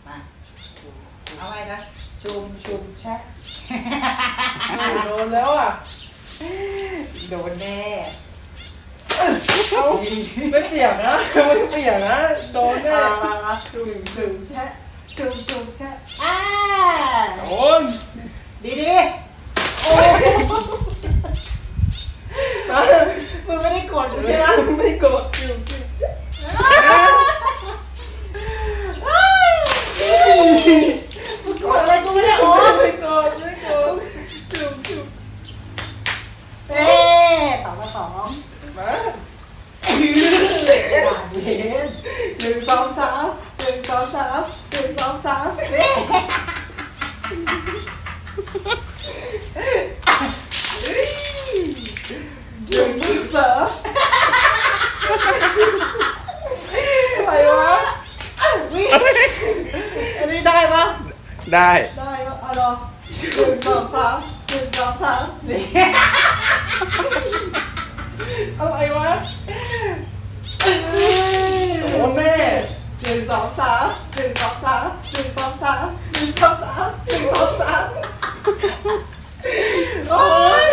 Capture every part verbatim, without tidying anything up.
มาเอาไงคะชุมชุมแชะโดนแล้วอ่ะโดนแน่เอาไม่เปียกนะไม่เปียกนะโดนแน่มามามาชุมชุมแชะชุมชุมแชะอ่าโดนดีดีโอ้มึงไม่ได้กดใช่ไหมไม่โกรธอยู่มึงกดอะไรกูไม่ได้โอ้ไม่โกรธไม่โกรธจุ๊บจุ๊บเอ๊ะต่อมาสองมาหวานเย็นหนึ่งสองสามหนึ่งสองสามหนึ่งสองสามเอ๊ะหนึ่งจุดสามอะไรวะวิ่งอันนี้ได้ปะได้ได้ปะเอาลองหนึ่งสองสามหนึ่งสองสามนี่อะไรวะโดนแน่หนึ่งสองสามหนึ่งสองสามหนึ่งสองสามหนึ่งสองสามหนึ่งสองสามโอ้ย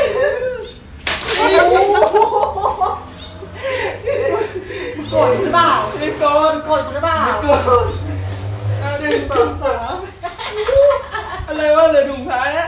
โกรธหรือเปล่าไม่โกรธโกรธหรือเปล่าไม่โกรธอ่ะหนึ่งสองสามอะไรวะเหลือถุงท้ายแล้ว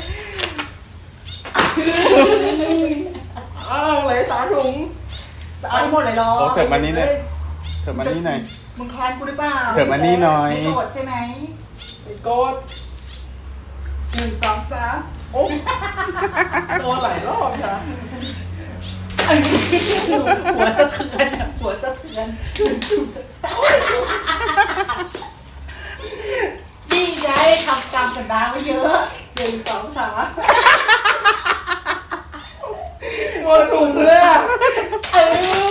อ้าวเหลือสามถุงจะเอาให้หมดเลยเหรอโอ้เถิบมานี่หน่อยเถิบมานี่หน่อยมึงแค้นกูหรือเปล่าเถิบมานี่หน่อยไม่โกรธใช่ไหมไม่โกรธหนึ่งสองสามโอ้โดนหลายรอบจ้ะหัวสะเทือนอะหัวสะเทือนนี่ไงทำกรรมกันมาไว้เยอะหนึ่งสองสามโดนถุงเลยอ่ะเออ